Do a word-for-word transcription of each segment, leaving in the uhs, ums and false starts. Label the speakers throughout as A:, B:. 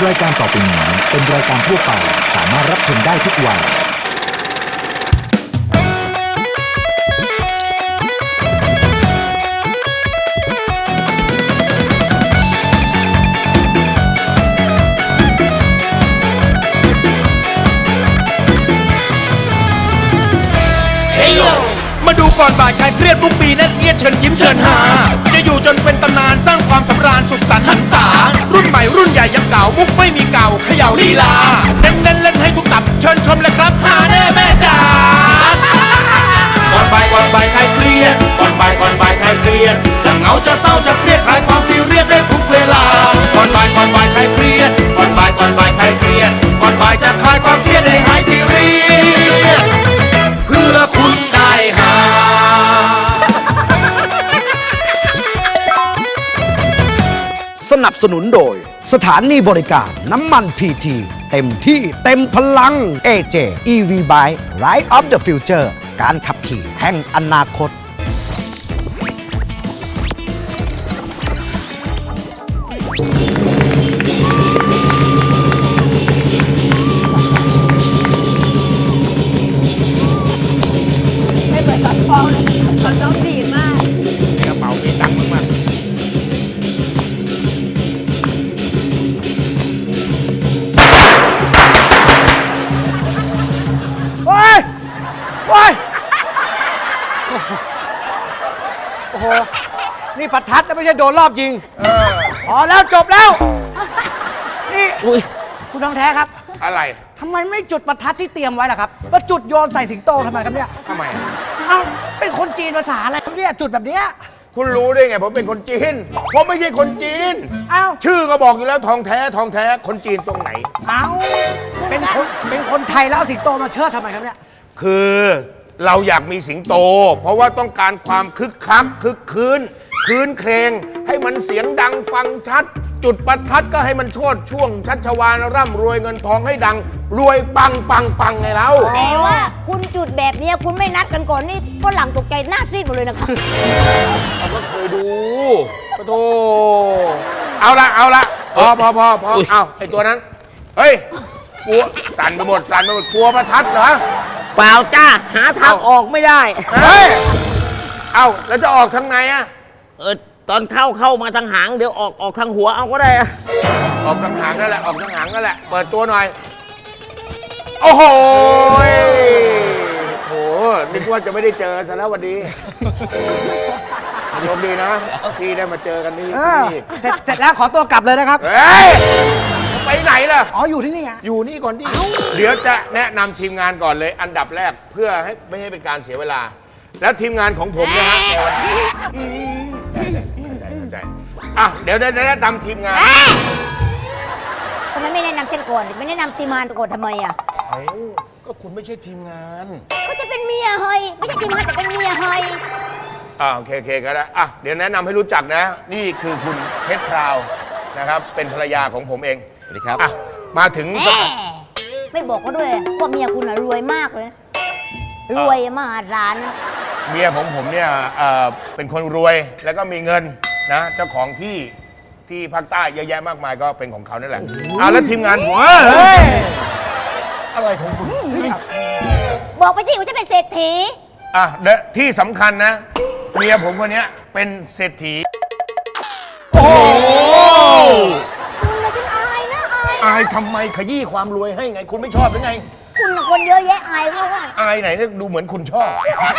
A: รายการต่อไปนี้เป็นรายการทั่วไปสามารถรับชมได้ทุกวัย
B: มาดูก่อนบ่ายใครเครียดทุกปีนั่นเอียดเชิญยิ้มเชิญหาจะอยู่จนเป็นตำนานสร้างความสำราญสุขสันต์หันษารุ่นใหม่รุ่นใหญ่ยังเก่ามุกไม่มีเก่าเขย่าลีลาเน้นเล่นเล่นให้ทุกตับเชิญชมเลยครับหาแน่แม่จ๋าก่อนบ่ายก่อนบ่ายใครเครียดก่อนบ่ายก่อนบ่ายใครเครียดจะเหงาจะเศร้าจะเครียดคลายความซีเรียสได้ทุกเวลาก่อนบ่ายก่อนบ่ายใครเครียดก่อนบ่ายก่อนบ่ายใครเครียดก่อนบ่ายจะคลายความเครียดให้หายซีเรียสเพื่อคุณได้หา
C: สนับสนุนโดยสถานีบริการน้ำมันพีทีเต็มที่เต็มพลัง เอ เจ อี วี Bike Ride of the Future การขับขี่แห่งอนาคต
D: ไม่เหมือนตัดฟองเลยมันต้องดีมาก
B: กระเป๋ามีตังค์มาก
C: โอ้ยโอ้ยโอ้โห นี่ประทัดนะไม่ใช่โดนรอบยิงพอแล้วจบแล้ว นี่คุณทองแท้ครับ
B: อะไร
C: ทำไมไม่จุดประทัดที่เตรียมไว้ล่ะครับมาจุดโยนใส่สิงโตทำไมครับเนี่ย
B: ทำไม
C: เอ้าเป็นคนจีนภาษาอะไรครับเนี่ยจุดแบบเนี้ย
B: คุณรู้ได้ไงผมเป็นคนจีนผมไม่ใช่คนจีน
C: เอ้า
B: ชื่อก็บอกอยู่แล้วทองแท้ทองแท้คนจีนตรงไหน
C: เอ้าเป็นคนเป็นคนไทยแล้วเอาสิงโตมาเชิดทำไมครับเนี่ย
B: คือเราอยากมีสิงโต เพราะว่าต้องการความคึกคักคึกคืนคืนเครงให้มันเสียงดังฟังชัด จุดประทัดก็ให้มันโชดช่วงชัชวาลร่ำรวยเงินทองให้ดัง รวยปังปังปังไงเรา
D: แต่ว่าคุณจุดแบบนี้คุณไม่นัดกันก่อนนี่ฝรั่งตกใจหน้าซีดหมดเลยนะคะ
B: เราก็เคยดูปะโถเอาละเอาละพอพอพอพอเอาไอตัวนั้นเฮ้ยกลัวสั่นไปหมดสั่นไปหมดกลัวประทัดเหรอ
E: เปล่าจ้าหาทางออกไม่ได้
B: เฮ้ยเอาแล้วจะออกทางไหนอะ
E: เออตอนเข้าเข้ามาทางหางเดี๋ยวออกออกทางหัวเอาก็ได้อะ
B: ออกทางหางนั่นแหละออกทางหางนั่นแหละเปิดตัวหน่อยโอ้โหโหนึกว่าจะไม่ได้เจอซะแล้ววันนี้โชคดีนะที่ได้มาเจอกันนี่
C: เออ
B: ที่
C: เสร็จเสร็จแล้วขอตัวกลับเลยนะครับ
B: เฮ้ยไปไหนล่ะ
C: อ๋ออยู่ที่นี่ฮะ
B: อยู่นี่ก่อนดิเดี๋ยวจะแนะนำทีมงานก่อนเลยอันดับแรกเพื่อให้ไม่ให้เป็นการเสียเวลา แล้วทีมงานของผมนะฮะในวันนี้ใจใจใจอ่ะเดี๋ยวได้แนะนำทีมงาน
D: ทำไมไม่แนะนำฉันก่อนไม่แนะนำทีมงานก่อนทำไมอ่ะ
B: เอ้าก็คุณไม่ใช่ทีมงาน
D: ก็จะเป็นเมียเฮยไม่ใช่ทีมงานแต่เป็นเมียเฮย
B: อ่าโอเคโอเคก็ได้อ่ะเดี๋ยวแนะนำให้รู้จักนะ นี่คือคุณเพชรพราวนะครับ เป็นภรรยาของผมเองสวัสดีครับอ่ะมาถึง
D: แหมไม่บอกก็ด้วยว่าเมียคุณน่ะรวยมากเลยรวยมหาศาลนะ
B: เมียของผมเนี่ยเอ่อเป็นคนรวยแล้วก็มีเงินนะเจ้าของที่ที่ภาคใต้เยอะแยะมากมายก็เป็นของเขานั่นแหละอ่ะแล้วทีมงานผมเฮ้ยอะไรของคุณ
D: บอกไปสิว่าฉันเป็นเศรษฐี
B: อ่ะเดยวที่สำคัญนะ เมียผมคนเนี้ยเป็นเศรษฐีโอ้โห
D: คุณน่ะฉันอายนะอาย
B: อายทำไมขยี้ความรวยให้ไง คุณไม่ชอบหรือไง
D: คุณน่ะคนเยอะแยะอายเขาว่า
B: อายไหนเนี่ยดูเหมือนคุณชอบ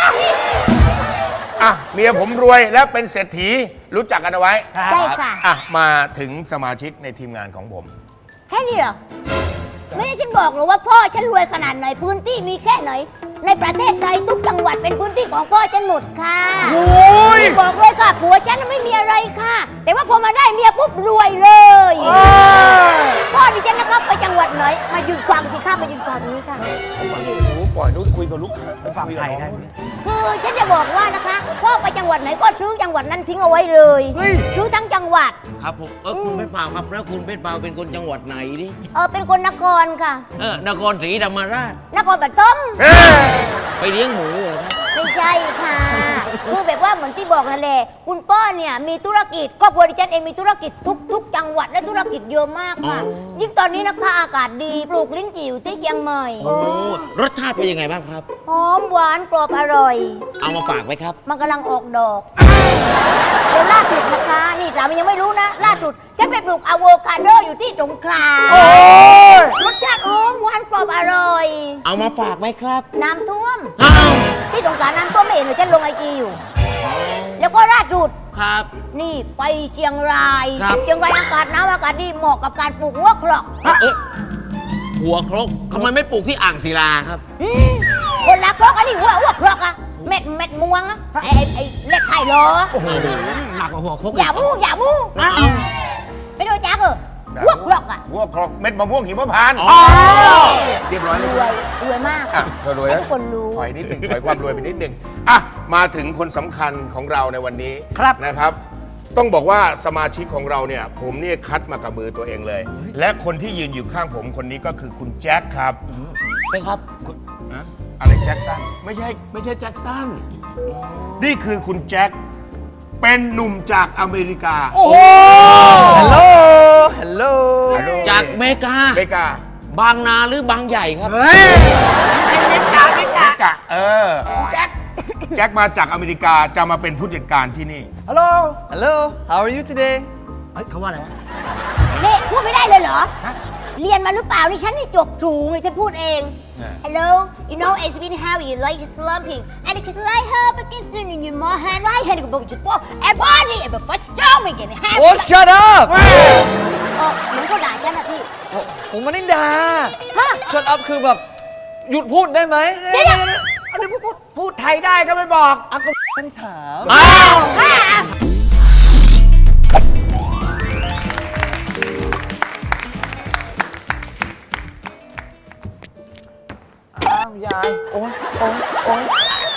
B: อ่ะเมียผมรวยและเป็นเศรษฐีรู้จักกันเอาไว้
D: ใช่ค่ะ
B: อ่ะมาถึงสมาชิกในทีมงานของผม
D: แค่นี้เหรอไม่ใช่ฉันบอกหรอกว่าพ่อฉันรวยขนาดไหนพื้นที่มีแค่ไหน ในประเทศไทยทุกจังหวัดเป็นพื้นที่ของพ่อฉันหมดค่ะโอ้ยบอกเลยค่ะผัวฉันไม่มีอะไรค่ะ แต่ว่าพอมาได้เมียปุ๊บรวยเลยพ่อดิฉันนะครับไปจังหวัดไหนมายืนฟังสิค่ะมายืนฟังนี้ค่ะ
B: โอ้โหปล่อยนู้นคุยกับลูกค้า
C: ไปฟังไทยได้ไหม
D: คือฉันจะบอกว่านะคะพ่อไปจังหวัดไหนก็ซื้อจังหวัดนั้นทิ้งเอาไว้เลย
C: เฮ้ย
D: ซื้อทั้งจังหวัด
E: ครับผมเออคุณเพชรเปล่าครับแล้วคุณเพชรเปล่าเป็นคนจังหวัดไหนดิ
D: เออเป็นคนนครค่ะ
E: เออนครศรีธรรมราช
D: นครปฐม
B: เฮ้ย
E: ไปเลี้ยงหมูเหรอครับ
D: ไม่ใช่ค่ะคือแบบว่าเหมือนที่บอกนั่นแหละคุณป้าเนี่ยมีธุรกิจครอบครัวดิฉันเองมีธุรกิจทุกทุกจังหวัดและธุรกิจเยอะมากค่ะยิ่งตอนนี้นะคะอากาศดีปลูกลิ้นจี่อยู่ที่เชียงใหม่
E: โอ้รสชาติเป็นยังไงบ้างครับ
D: หอมหวานกรอบอร่อย
E: เอามาฝากไว้ครับ
D: มันกำลังออกดอกเดี๋ยวล่าสุดนะคะนี่สามียังไม่รู้นะล่าสุดฉันไปปลูกอะโวคาโดอยู่ที่สงขลารสชาติหอมหวานกรอบอร่อย
E: เอามาฝากไหมครับ
D: น้ำท่วม
E: อ้าว
D: ที่สงขลาน้ำท่วมไม่เห็นเลยฉันลงไอจีอยู่ แล้วก็ล่าสุด
E: ครับ
D: นี่ไปเชียงราย
E: ครับ
D: เชียงรายอากาศหนาวอากาศดีเหมาะกับการปลูกหัวครอก
E: เอ๊ะหัวครกทำไมไม่ปลูกที่อ่างศิลาครับ
D: อืมคนละครอกอันนี้หัวหัวครอกอะเม็ดเม็ดม่วงอะไอไอไอเล็ดไข่ล้อ
E: โอ้โหหนักกว่าหัวครก
D: อย่ามู้อย่ามู้
E: เอา
D: ไม่ดูจักเออหัวครอกอะ
B: หัวครกเม็ดมะม่วงหิมพานต์
E: อ๋อ
B: เรียบร้อย
D: ร
B: แล้ว
D: วยรวยมาก
B: อ่ะเธอรวย
D: ให้
B: แล้ว
D: ทุกคนรู้
B: ถอยนิดหนึ่งถอยความรวยไปนิดหนึ่งอ่ะมาถึงคนสำคัญของเราในวันนี้ครับนะครับ ต้องบอกว่าสมาชิกของเราเนี่ย ผมเนี่ยคัดมากับมือตัวเองเลย และคนที่ยืนอยู่ข้างผมคนนี้ก็คือคุณแจ็คครับ
E: เป็นครับ
B: คุณอะอะไรแจ็คสันไม่ใช่ไม่ใช่แจ็คสันนี่คือคุณแจ็คเป็นหนุ่มจากอเมริกา
F: โอ้โหฮัลโหล ฮัลโหล
E: จากเมกา
B: อเมริกา
E: บางนาหรือบางใหญ่ครับ
B: ใช่เมกาเมกาเออแจ็คแจ็คมาจากอเมริกาจะมาเป็นผู้จัดการที่นี่
F: ฮัลโหล ฮัลโหล how are you today
E: เฮ้ยเขาว่าอะไรวะ
D: นี่พูดไม่ได้เลยเหรอ เรียนมาหรือเปล่านี่ฉันนี่จบสูงเลยฉันพูดเอง Hello you know it's been how you like slumping and it could like her but can soon in your more hand like hand go just for and body and but show me again hand
F: โอ้ shut up
D: เออเหมือนเขาด่าฉันนะพี่
F: ผมไม่ได้ด่า
D: ฮะ
F: shut up คือแบบ หยุดพูดได้ไหม
D: เดี๋ยว
F: อันนี้พูดพูดไทยได้ก็ไม่บอกอ่ะก็ไม่ได้ถาม
E: อ้าว
D: ๆอ่ะ
F: อ้าวยาย โอ้ยโอ้ยโอ้ย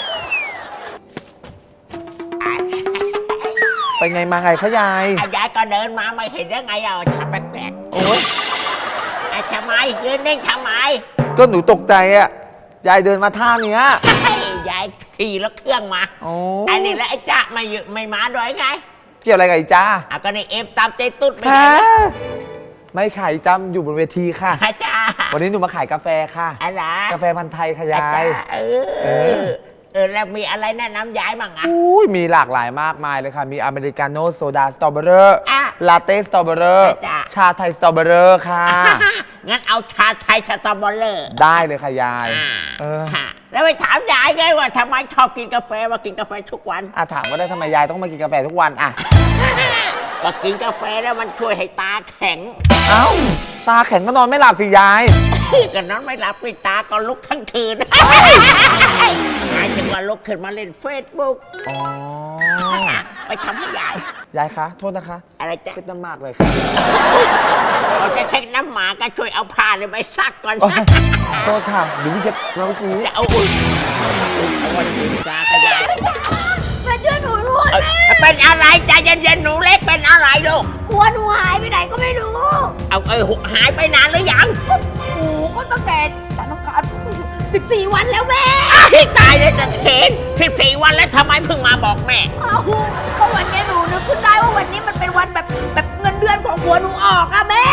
F: ไปไงมาไงคะยาย
E: ยายก็เดินมาไม่เห็นได้ไงอ่ะทำแปลก
F: โอ้ย
E: ๆอ่ะทำไมยืนนิ่งทำไม
F: ก็หนูตกใจอะยายเดินมาท่าเนี้ย
E: ยายขี่รถเครื่องมา
F: โอ้
E: อันนี้แล้วไอ้จ๊ะไม่อยู่ไม่มาด้วยไง
F: เกี่ยวอะไรกับอีจ้า
E: อ่ะก็นี่เอฟตามใจตุ๊ดไม่
F: ฮะ
E: ใช่
F: ไม่ขายจำอยู่บนเวทีค่ะ
E: อาจ้า
F: วันนี้หนูมาขายกาแฟค่ะ
E: อะไร
F: กาแฟพันธุ์ไทยค่ะยาย
E: เออ เออ เออ แล้วมีอะไรแนะนำยายบ้างอ่ะ
F: อุ้ยมีหลากหลายมากมายเลยค่ะ มีอเมริกาโน่โซดาสตรอเบอรี่
E: อ่ะ
F: ลาเต้สตรอเบอรี่
E: จ้ะ
F: ชาไทยสตรอเบอรี่ค่ะ
E: งั้นเอาชาไทยสตรอเบอรี่
F: ได้เลยค่ะยาย
E: อ่า
F: เออ
E: ฮะแล้วไปถามยายไงว่าทำไมชอบกินกาแฟมากินกาแฟทุกวัน
F: อ่ะถามว่าได้ทำไมยายต้องมากินกาแฟทุกวันอ่ะ
E: ก็กินกาแฟแล้วมันช่วยให้ตาแข็ง
F: เอ้า ตาแข็งก็นอนไม่หลับสิยาย
E: ก็นอนไม่หลับปิดตาก็ลุกทั้งคืนหายจังว่าลุกขึ้นมาเล่นเฟซบุ๊ก
F: อ๋อ
E: ไปทำให้ยาย
F: ยายคะ โทษนะคะ
E: อะไรจ๊ะ
F: เช็ดน้ำมากเลยค่ะ
E: เราจะเช็คน้ำหมาก็ช่วยเอาผ้าเนี่ยไปซักก่อน
F: โอ๊ยโทษค่ะหรือเช็ดเมื่อกี้
E: จะเอาอุ่นเอาวันนี้จ้ากระยาย
D: มาช่วยหนูด้วย
E: เอ้ยเป็นอะไรใจเย็นๆหนูเล็กเป็นอะไรลูก
D: หัวหนูหายไปไหนก็ไม่รู้
E: เอาเอ้ยหายไปนานหรือยัง
D: โอ้โหก็ตั้งแต่จันทร์อังคารสิบสี่วันแล้วแม่
E: อ้ายตายเลยจะเห็นสิบสี่วันแล้วทำไมเพิ่งมาบอกแม่
D: เอาเพราะวันนี้หนูนึกขึ้นได้ว่าวันนี้มันเป็นวันแบบแบบเงินเดือนของผัวหนูออกอะแม่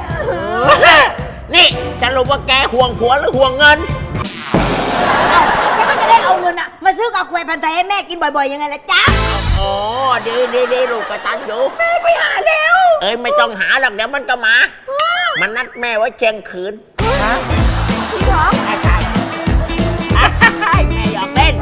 E: นี่สรุปว่าแกห่วงผัวหรือห่วงเงิน
D: เอ้าฉันก็จะได้เอาเงินอะมาซื้อกาแฟพันธุ์ไทยให้แม่กินบ่อยๆยังไงล่ะจ๊ะ
E: อ๋อดีดีดีลูกกระตันอยู่
D: แม่ไปหาแล้ว
E: เอ้ยไม่ต้องหาหรอกเดี๋ยวมันก็มา มันนัดแม่ไว้เชียงคืน
D: จริงเหรอ
E: ใช่ใช่แม่หยอกเล่น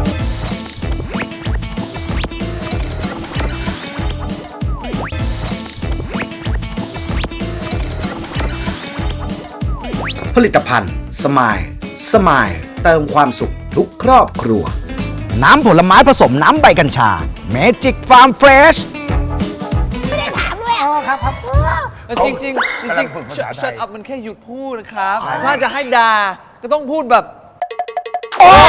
C: ผลิตภัณฑ์สมายสมายเติมความสุขทุกครอบครัว น้ำผลไม้ผสมน้ำใบกัญชาเมจิกฟาร์มเฟรช
D: ไม่ได้ถามด้วยอะ
F: อ๋อครับครับ
D: เออ
F: เออจริงจริงๆจ
B: กำลั
F: ริ
B: ง
F: ง
B: ฝึกภา
F: ๆ
B: ษาไทย
F: shut up มันแค่หยุดพูดนะครับ ถ้าจะให้ด่าก็ต้องพูดแบบ
B: โอ้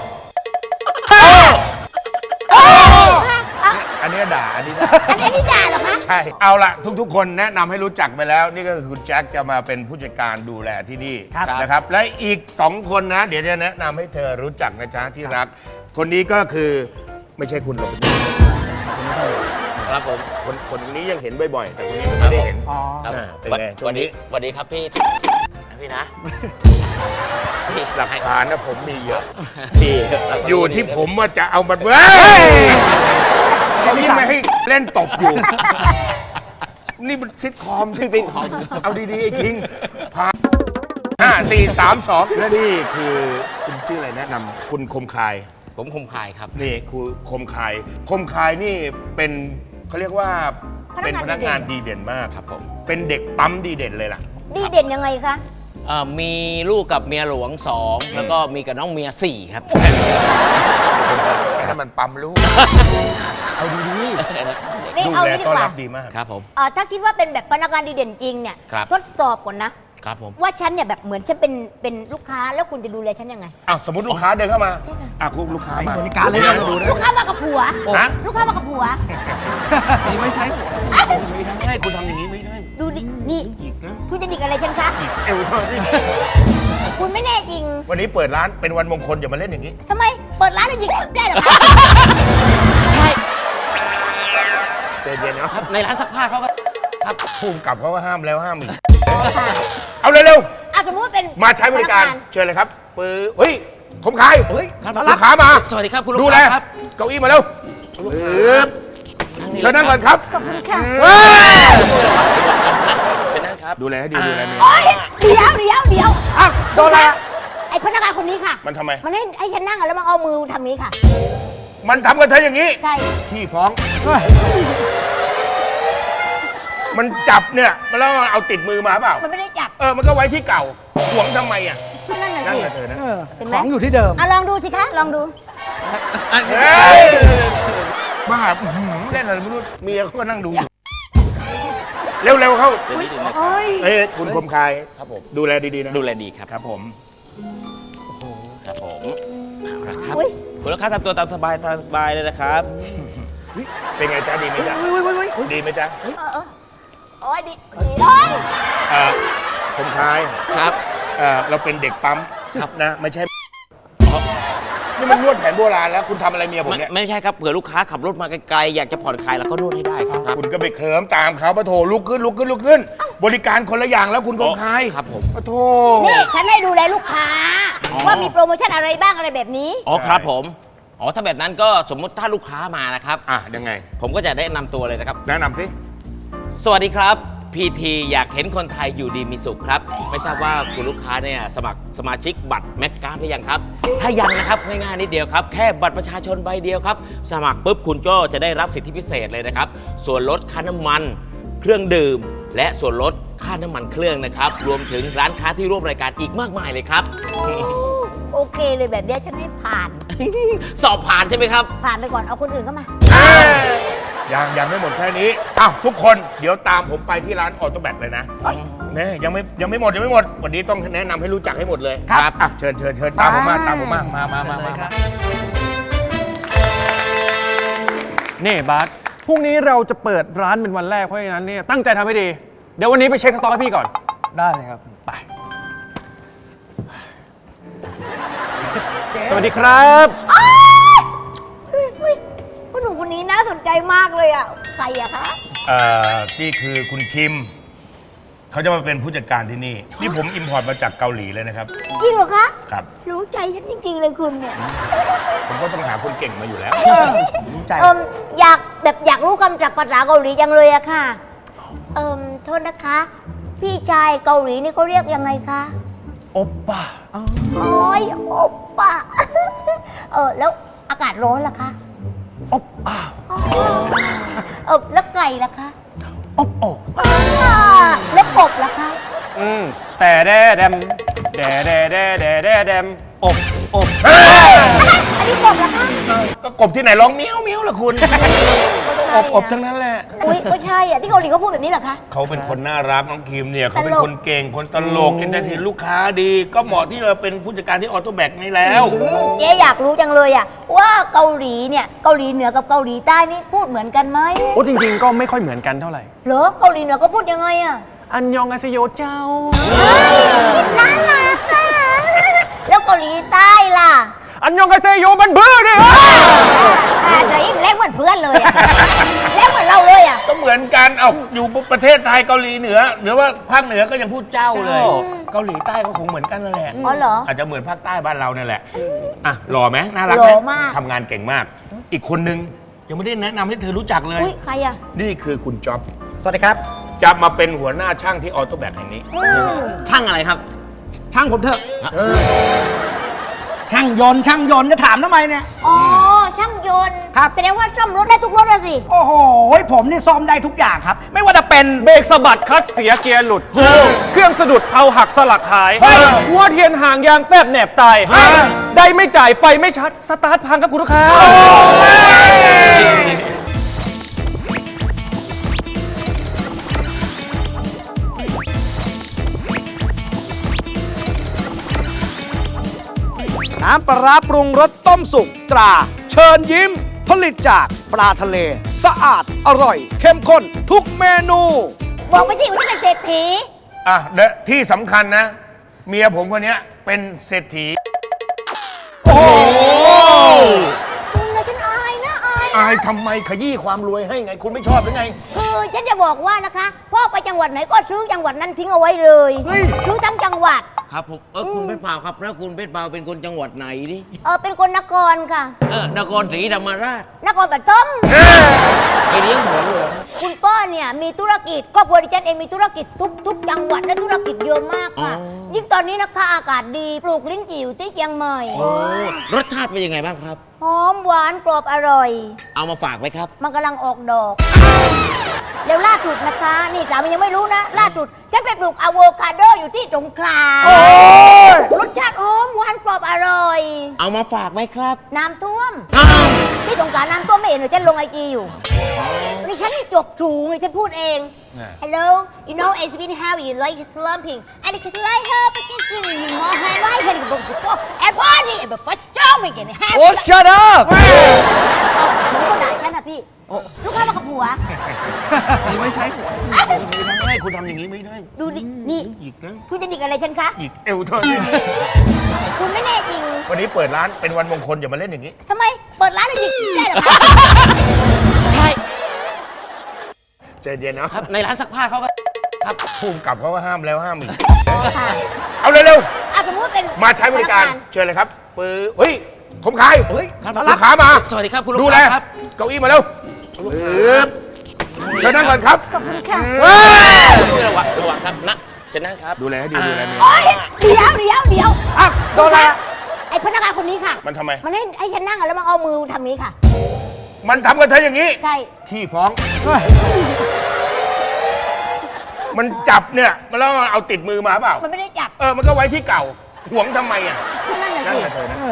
B: อันนี้ด่าอันนี้ด่า
D: อันนี้นี่ด่าเหรอคะ
B: ใช่ เอาละทุกๆ คนแนะนำให้รู้จักไปแล้ว นี่ก็คือคุณแจ็คจะมาเป็นผู้จัดการดูแลที่นี่นะครับ และอีกสองคนนะ เดี๋ยวจะแนะนำให้เธอรู้จักนะจ๊ะที่รัก คนนี้ก็คือไม่ใช่คุณหรอก
G: ครับผม
B: คนคนนี้ยังเห็นบ่อยๆแต่คนนี้ไม่ได้เห็น
C: อ๋อ
G: ครับ
B: อ่าเป็นไงช่
G: วั
B: วงนี้
G: สวัสดีครับพี่นะพี่นะพี่
B: หลักฐานนะผมมีเยอะ
G: พี่
B: อยู่ที่ผมว่าจะเอามันเว้ยนี่ไม่ให้เล่นตบอยู่ นี่มันซิทคอมซิทคอมเอาดีๆไอ้คิงพาห้าสี่สามสองและนี่คือคุณชื่ออะไรแนะนำคุณคมคาย
G: ผมคมคายครับ
B: นี่คือคมคาย คมคายนี่เป็นเขาเรียกว่าเป็นพนักงานดีเด่นมาก
G: ครับผม
B: เป็นเด็กปั๊มดีเด่นเลยล่ะ
D: ดีเด่นยังไงคะ
G: เอ่อมีลูกกับเมียหลวงสองแล้วก็มีกับน้องเมียสี่ครับ
B: นั่นมันปั๊มลูก เอาดี
D: นี่
B: ๆดู
D: เอา
B: แล
D: งี้ดี
B: ต้อน
D: กว่า
B: รับดีมาก
G: ครับผม
D: เอ่อถ้าคิดว่าเป็นแบบพนักงานดีเด่นจริงเนี่ย
G: ครับ
D: ทดสอบก่อนนะ
G: ครับผม
D: ว่าฉันเนี่ยแบบเหมือนฉันเป็นเป็นลูกค้าแล้วคุณจะดูแลฉันยังไง
B: อ้าวสมมติลูกค้าเดินเข้ามา
D: ใช่ค่ะ
B: อ่ะคุณลูกค้ามา
C: บริการเลยนะดูนะ
D: ลูกค้ามากับผัว
B: ฮะ
D: ลูกค้ามากับผัว
F: นี่ไม่ใช่
B: ไม่ได้คุณทำอย่างนี้ไม่ได้
D: ดูดินี่
B: อีกนะ
D: คุณจะดิกอะไรฉันคะ
B: อีกเอวเท่านี้
D: คุณไม่แน่จริง
B: วันนี้เปิดร้านเป็นวันมงคลอย่ามาเล่นอย่างนี้
D: ทำไมเปิดร้านแล้วยิงได้เหรอคะ
G: ใช่
B: ใจเย็นเนาะ
G: ครับในร้านซักผ้าเขาก็ครับ
B: ภูมิกับเขาก็ห้ามแล้วห้ามอีก เอาเร็ว
D: อ่ะสมมติว่าเป็น
B: ๆ มาใช้บริการ
D: พนังน
B: เชิญเลยครับปื้อเฮ้ยคมคาย
G: เฮ้ยครับ
B: ลูกค้ามา
G: สวัสดีครับคุณลูก
B: ดูแล
G: ค้าครับ
B: เก้าอี้มาเร็วปึ๊บเชิญนั่งก่อนครับ
D: ขอบคุณค่ะ
B: เฮ้ย
G: เชิญนั่งครับ
B: ดูแลให้ดีดูแลเมีย
D: โอ๊ยเดี๋ยวเดี๋ยวเดี๋ยว
B: อ้าวโดนอะไรอะ
D: ไอพนักงานคนนี้ค่ะ
B: มันทำไม
D: มันให้ให้ฉันนั่งอะแล้วมันเอามือทำนี้ค่ะ
B: มันทำกับเธออย่างนี้
D: ใช่
B: พี่ฟ้อง มันจับเนี่ยมันแล้วเอาติดมือมาเปล่า
D: มันไม่ได้จับ
B: เออ มันก็ไว้ที่เก่าหวงทำไมอ่ะ
D: ก็นั่นน่ะ
B: นั่น
D: สิ
B: แหละเธอนะ
C: เออ
D: เห็นไหม
C: ของอยู่ที่เดิม
D: อ่ะลองดูสิคะลองดู
B: เฮ้ยบ้าอื้อหือเล่นอะไรไม่รู้เมียเขาก็นั่งดูอยู่เร็วๆเข้า
G: เดี๋ยวนิดนึงนะ
B: เอ้ยคุณคมคาย
G: ครับผม
B: ดูแลดีๆนะ
G: ดูแลดีครับ
B: ครับผม
G: ครับผมเอาละครับ
D: อุ๊ย
G: คุณลูกค้าทำตัวตามสบายตามสบายเลยนะครับ
B: เป็นไงจ๊ะดีไหมจ๊ะดีไหมจ๊ะ
D: เออเออโอ้ยดีดีโอ้ย
B: เอ่อคมคาย
G: ครับ
B: เอ่อเราเป็นเด็กปั๊มครับนะ ไม่ใช่นี่มันนวดแผนโบราณแล้ว คุณทำอะไรเมียผม
G: ไม่
B: เนี่ย
G: ไม่ใช่ครับเผื่อลูกค้าขับรถมาไกลๆอยากจะผ่อนคลายแล้วก็นวดให้ได้ครับ
B: คุณก็ไปเคลิ้มตามเขาปะโถลุกขึ้นลุกขึ้นลุกขึ้น บริการคนละอย่างแล้วคุณคมคาย
G: ครับผม
B: ปะโถ
D: นี่ฉันให้ดูแลลูกค้า
G: อ๋อ
D: ว่ามีโปรโมชั่นอะไรบ้างอะไรแบบนี้
G: อ๋อครับผมอ๋อถ้าแบบนั้นก็สมมุติถ้าลูกค้ามานะครับ
B: อ่ะยังไง
G: ผมก็จะแนะนำตัวเลยนะครับ
B: แนะนำสิ
G: สวัสดีครับพีทีอยากเห็นคนไทยอยู่ดีมีสุขครับ ไม่ทราบว่าคุณลูกค้าเนี่ยสมัครสมาชิกบัตรแมกการ์ดหรือยังครับ ถ้ายังนะครับง่ายๆนิดเดียวครับ แค่บัตรประชาชนใบเดียวครับ สมัครปุ๊บคุณก็จะได้รับสิทธิพิเศษเลยนะครับ ส่วนลดค่าน้ำมัน เครื่องดื่ม และส่วนลดค่าน้ำมันเครื่องนะครับ รวมถึงร้านค้าที่ร่วมรายการอีกมากมายเลยครับ
D: โอเคเลยแบบเนี้ยฉันให้ผ่าน
G: สอบผ่านใช่ไหมครับ
D: ผ่านไปก่อนเอาคนอื่นเข้ามา
B: ยังยังไม่หมดแค่นี้อ้าวทุกคนเดี๋ยวตามผมไปที่ร้านออโตแบตเลยนะเนี่ยยังไม่ยังไม่หมดยังไม่หมด วันนี้ต้องแนะนำให้รู้จักให้หมดเลย
G: ครับ
B: อ่ะเชิญเชิญเชิญตามผมมาตามผมมามามามามามา
H: นี่บาสพรุ่งนี้เราจะเปิดร้านเป็นวันแรกเพราะฉะนั้นเนี่ยตั้งใจทำให้ดี เดี๋ยววันนี้ไปเช็คสต็อกให้พี่ก่อน
F: ได้เลยครับ
H: ไป สวัสดีครับ
D: อุ้ยอุ้ยผู้หนุ่มคนนี้น่าสนใจมากเลยอ่ะ ใครอะคะ
B: เอ่อนี่คือคุณคิม เขาจะมาเป็นผู้จัดการที่นี่ นี่ผมอิมพอร์ตมาจากเกาหลีเลยนะครับ
D: จริงเหรอคะ
B: ครับ
D: รู้ใจฉันจริง ๆ เลยคุณเนี่ย
B: ผมก็ต้องหาคนเก่งมาอยู่แล้ว
C: รู้ใจ
D: เอิมอยากแบบอยากรู้คำจากภาษาเกาหลีจังเลยอะค่ะ เอิมโทษนะคะ พี่ชายเกาหลีนี่เขาเรียกยังไงคะ
H: โอปป้า
D: โอ้ยโอปป้า เออแล้วอากาศร้อนล่ะคะ
H: อบอ้าว
D: อ๋อเออแล้วไก่ล่ะคะ
H: อบโอบ
D: อ่าแล้วกบล่ะคะ
H: อืมแต่แดแดมแดแดแดแดแดแดมอบอบ
D: อันนี้กบล่ะคะ
B: ก็กบที่ไหนร้องเมี้ยวเมี้ยวล่ะคุณ อบอบทั้งนั้นแหละ
D: อุ้ยก็ใช่อะที่เกาหลีเขาพูดแบบนี้เหรอคะ
B: เขาเป็นคนน่ารักน้องคิมเนี่ยเขาเป็น
D: ตลก
B: คนเก่งคนตลกเอนเตอร์เทนลูกค้าดี ก็เหมาะที่จะเป็นผู้จัดการที่ออโตแบกนี่แล้ว
D: อืมเจ๊อยากรู้จังเลยอะว่าเกาหลีเนี่ยเกาหลีเหนือกับเกาหลีใต้นี่พูดเหมือนกันไหม
H: โอ้จริงๆ ก็ไม่ค่อยเหมือนกันเท่าไหร่
D: เหรอเกาหลีเหนือก็พูดยังไงอะ
H: อันยองอาเซโยเจ้า
D: น่ารักอะแล้วเกาหลีใต้ล่ะ
H: อันยองกาเซโยมันเบื่อดิ
D: อ่าจะอินเล่นเหมือนเพื่อนเลยอะเล่นเหมือนเราเลยอะ
B: ก็เหมือนกัน เอาอยู่ประเทศไทยเกาหลีเหนือ หรือว่าภาคเหนือก็ยังพูดเจ้าเลย เกาหลีใต้ก็คงเหมือนกันนั่นแหละ
D: อ๋อเหรอ
B: อาจจะเหมือนภาคใต้บ้านเราเนี่ยแหละ อ่ะหล่อไหมน่ารักไหม
D: หล่อมาก
B: ทำงานเก่งมาก อีกคนนึงยังไม่ได้แนะนำให้เธอรู้จักเลย
D: อุ้ยใครอะ
B: นี่คือคุณจ๊อบ
C: สวัสดีครับ
B: จะมาเป็นหัวหน้าช่างที่ออโต้แบกแห่งนี้
D: อืม
G: ช่างอะไรครับ
C: ช่างผมเถอะช่างยนต์ช่างยนต์จะถามทำไมเนี่ย
D: อ๋อช่างยนต์
C: ครับ
D: แสดงว่าซ่อมรถได้ทุกรถเลยสิ
C: โอ้โหผมนี่ซ่อมได้ทุกอย่างครับ ไม่ว่าจะเป็น
H: เบรกสะบัดคลัตช์เสียเกียร์หลุด เครื่องสะดุดเพลาหักสลักหาย หัวเทียนห่างยางแฟบแหนบตาย ได้ไม่จ่ายไฟไม่ชัด สตาร์ทพังครับคุณลูกค้า
C: น้ำปลาร้าปรุงรสต้มสุกตรา เชิญยิ้ม ผลิตจากปลาทะเล สะอาดอร่อย เข้มข้นทุกเมนู
D: บอกไปสิว่าจะเป็นเศรษฐี
B: อ่ะเดยวที่สำคัญนะ เมียผมคนเนี้ยเป็นเศรษฐี
D: คุณนะฉันอายนะอาย
B: อายทำไมขยี้ความรวยให้ไง คุณไม่ชอบหรือไง
D: คือฉันจะบอกว่านะคะพ่อไปจังหวัดไหนก็ซื้อจังหวัดนั้นทิ้งเอาไว้เลย
B: เฮ้ย
D: ซื้อทั้งจังหวัด
G: ครับผม เออคุณเพชรเปล่าครับ แล้วคุณเพชรเปล่าเป็นคนจังหวัดไหนดิ
D: เออเป็นคนนครค่ะ
G: เออนครศรีธรรมราช
D: นครปฐม
G: ไปเลี้ยงหมูเหรอ
D: คุณพ่อเนี่ยมีธุรกิจครอบครัวดิฉันเองมีธุรกิจทุกทุกจังหวัดและธุรกิจเยอะมากค่ะ
G: อ๋อ
D: ยิ่งตอนนี้นะคะอากาศดีปลูกลิ้นจี่อยู่ที่เชียงใหม่
G: โอ้รสชาติเป็นยังไงบ้างครับ
D: หอมหวานกรอบอร่อย
G: เอามาฝากไว้ครับ
D: มันกำลังออกดอกเดี๋ยวล่าสุดนะคะ นี่สามียังไม่รู้นะ ล่าสุดฉันไปปลูกอะโวคาโดอยู่ที่สงขลารสชาติหอมหวานกรอบอร่อย
G: เอามาฝากไหมครับ
D: น้ำท่วม
G: อ้าว
D: ที่สงขลาน้ำท่วมไม่เห็นเลยฉันลงไอจีอยู่นี่ฉันนี่จบสูงเลยฉันพูดเอง Hello you know it's been heavy like slumping and it's like her because you know her life and go to go and body and but show me again
F: โอ้ shut up
D: หนูก็ด่าฉันนะพี่ ลูกค้ามากับผัว
F: นี่ไม่ใช่หัว
B: ไม่ได้คุณทำอย่างนี้ไม่ได้
D: ดูดิ นี่
B: อีกนะ
D: คุณจะดิกอะไรฉันคะ
B: อีกเอวเธอเนี่ย
D: คุณไม่แน่จริง
B: วันนี้เปิดร้านเป็นวันมงคลอย่ามาเล่นอย่างนี้
D: ทำไม เปิดร้านเลยดิได้เหรอคะ
G: ใช่
B: ใจเย็นนะครับ
G: ในร้านซักผ้าเขาก็ ครับ
B: ภูมิกับเขาก็ห้ามแล้วห้ามอีก
D: ค่ะ
B: เอาเร็ว
D: อ่ะสมมติว่าเป็น
B: ๆ มาใช้บริการ
D: พนังน
B: เชิญเลยครับปือเฮ้ยผมขาย
G: เฮ้ยครับ
B: ลูกค้ามา
G: สวัสดีครับคุณลูก
B: ดูแล
G: ค้าครับ
B: เก้าอี้มาเร็วปึ๊บเชิญนั่งก่อนครับ
D: ขอบคุณค่ะ
B: เฮ้ย
G: ระวังระวังครับนะเชิญนั่งครับ
B: ดูแลให้ดีดูแลเมีย
D: โอ๊ยเดี๋ยวเดี๋ยวเดี๋ยว
C: อ่ะโดนอะไรอ่ะ
D: ไอพนักงานคนนี้ค่ะ
B: มันทำไม
D: มันให้ให้ฉันนั่งอะแล้วมันเอามือทำนี้ค่ะ
B: มันทำกับเธออย่างนี้
D: ใช่
B: ที่ฟ้อง มันจับเนี่ยมันแล้วเอาติดมือมาเปล่า
D: มันไม่ได้จับ
B: เออ มันก็ไว้ที่เก่า หวงทำไมอ่ะ
D: นั่นแหละ
B: นั่น
D: สิ
B: แหละเธอนะ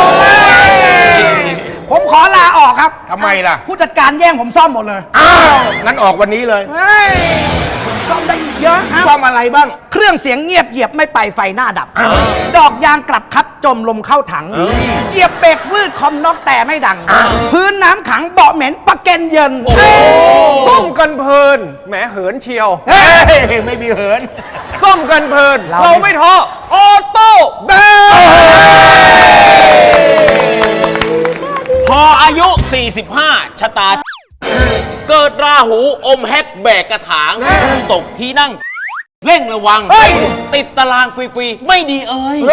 C: ผมขอลาออกครับ
B: ทำไมล่ะ
C: ผู้จัดการแย่งผมซ่อมหมดเลย
B: อ้าวงั้นออกวันนี้เลย
C: เฮ้ยผมซ่อมได้อีกเยอะครับ
B: ซ่อมอะไรบ้าง
C: เครื่องเสียงเงียบเหยียบไม่ไปไฟหน้าดับ ดอกยางกลับคัดจมลมเข้าถัง เหยียบเบรกวืดคอมน็อกแต่ไม่ดัง พื้นน้ำขังเบาะเหม็นปะเก็นเย็น
H: ส้มกันเพลิน แหมเหินเชียว
B: เฮ้ย ไม่มีเหิน
H: ส้มกันเพลิน
C: เรา
H: เราไม่ท้อ ออโต้แบก
G: พออายุ สี่สิบห้า ชะตา เกิดราหูอมแฮกแบกกระถาง ตกที่นั่ง เร่งระวัง ติดตารางฟรีๆ ไม่ดีเอ้ย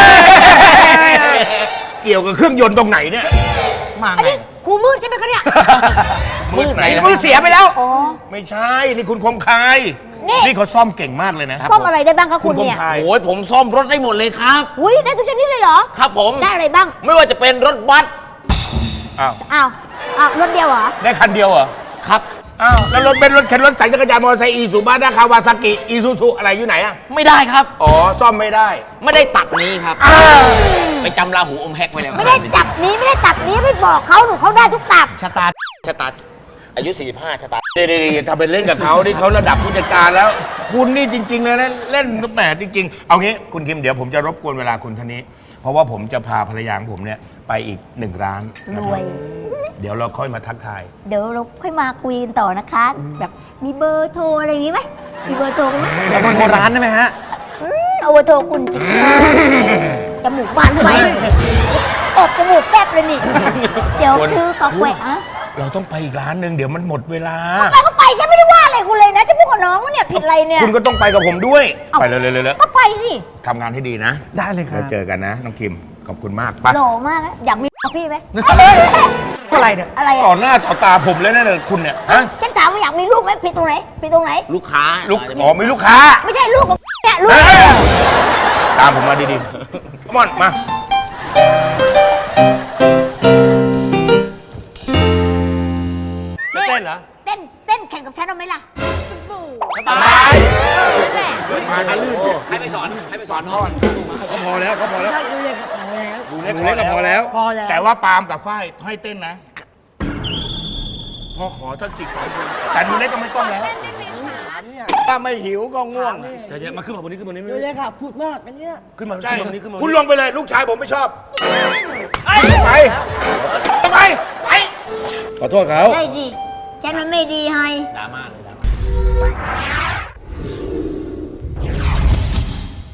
B: เกี่ยวกับเครื่องยนต์ตรงไหนเนี่ย
C: มา
D: อัน
C: ไง
D: นี้ครูมืดใช่ไหมคะเนี่ย
G: มืดไหนนะ
C: มือเสียไปแล้ว
D: อ๋อ
B: ไม่ใช่ นี่คุณคมคาย
D: นี่
B: นี่เขาซ่อมเก่งมากเลยนะ
D: ซ่อมอะไรได้บ้างคะ
B: คุ
D: คุณ ณ
B: คม
D: เนี่ย
B: คาย
G: โอ้ยผมซ่อมรถได้หมดเลยครับ
D: อุ้ยได้ทุกชนิดเลยเหรอ
G: ครับผม
D: ได้อะไรบ้าง
G: ไม่ว่าจะเป็นรถบัส
B: อ้าว
D: อ้าว อ้าว รถเดียวเหรอ
B: ได้คันเดียวเหรอ
G: ครับ
B: อ้าว แล้วรถเป็นรถเข็นรถใส่จักรยานมอเตอร์ไซค์อีซูบ้านาคาวาซากิ อีซูซูอะไรอยู่ไหนอะ
G: ไม่ได้ครับ
B: อ๋อ ซ่อมไม่ได้
G: ไม่ได้ตับนี้ครับ
B: อ้าว
G: ไปจำราหูอมแฮกไว้แล้ว
D: ไม่ได้จับนี้ไม่ได้ตับนี้ไม่บอกเขาหนูเขาได้ทุกตับ
C: ชะตา
G: ชะตาอายุ สี่สิบห้า ชะตา
B: เดี๋ยวๆๆทำเป็นเล่นกับเขาที่เขาระดับผู้จัดการแล้ว คุณนี่จริงๆเลยนะเล่นแหมจริง ๆ เอางี้คุณคิมเดี๋ยวผมจะรบกวนเวลาคุณท่านนี้ เพราะว่าผมจะพาภรรยาของผมเนี่ยไปอีกหนึ่งร้าน
D: ร
B: นะค
D: ว
B: รับ
D: ย
B: เดี๋ยวเราค่อยมาทักทาย
D: เดี๋ยวเราค่อยมาคุยกันต่อนะคะ แบบมีเบอร์โทรอะไรอย่างงี้ไหมมีเบอร์โทรกันไหม
H: แล้วมันโบราณได้ไหมฮะ
D: อืมเอาเบอร์โทรคุณสิคะจมูกบานทำไมอบจมูกแป๊บเลยนี่ เดี๋ยวชื่อกาแฟอะ
B: เราต้องไปอีกร้านหนึ่งเดี๋ยวมันหมดเวลา
D: ไปก็ไปฉันไม่ได้ว่าอะไรคุณเลยนะฉันพูดกับน้องว่าเนี่ยผิดอะไรเนี่ย
B: คุณก็ต้องไปกับผมด้วย
D: เอ้า
B: ไปเลยเลยเลย
D: ก็ไปสิ
B: ทำงานให้ดีนะ
F: ได้เลยครั
B: แล้
F: บ
B: วเจอกันนะ น้องคิม ขอบคุณมากไป
D: หล่อมากนะอยากมีพี่ไหม
F: อะไรเนี่ย
D: อะไร
B: ต่อ
D: อะ
B: หน้าต่อตาผมเลยนะเนี่ยคุณเนี่ยฮะ
D: ฉันถามว่าอยากมีลูกไหมผิดตรงไหนผิดตรงไหน
G: ลูกค้า
B: ลูกอ๋อมีลูกค้า
D: ไม่ใช่ลูกของเนี่ยลูก
B: เอ้ยตามผมมาดีๆ come on มา เต้นเหรอ
D: เต้นเต้นแข่งกับฉันเอาไหมล่ะ
B: สบาย
D: นั่นแหละ
B: มาคันลื่น
G: ใครไปสอน ใครไปสอน
B: พ่อนก็พอแล้วก็พอแล้ว
D: ดูเลยกับเขาแล้ว
B: ดูเล็กก็พอแล้ว
D: พอแล้ว
B: แต่ว่าปาล์มกับฝ้ายให้เต้นนะ พ่อขอท่านสิขอคนแต่ดูเล็กก็ไม่ต้องแล้วถ้าไม่หิวก็ง่วง
H: ใจเย็นมาขึ้นมาบนนี้ขึ้นมาบนนี้
F: ดูเลยค่ะ พูดมากอันเนี้ย
H: ขึ้นมา
B: ใช่
H: ขึ้นมาบนนี้ขึ้นมาบน
B: คุณ
H: นี้
B: ลงไปเลย ลูกชายผมไม่ชอบ ไป ไป ไป ขอโทษเขา
D: ได้ดิฉันมันไม่ดีให้
G: ดราม่าเลยดราม่า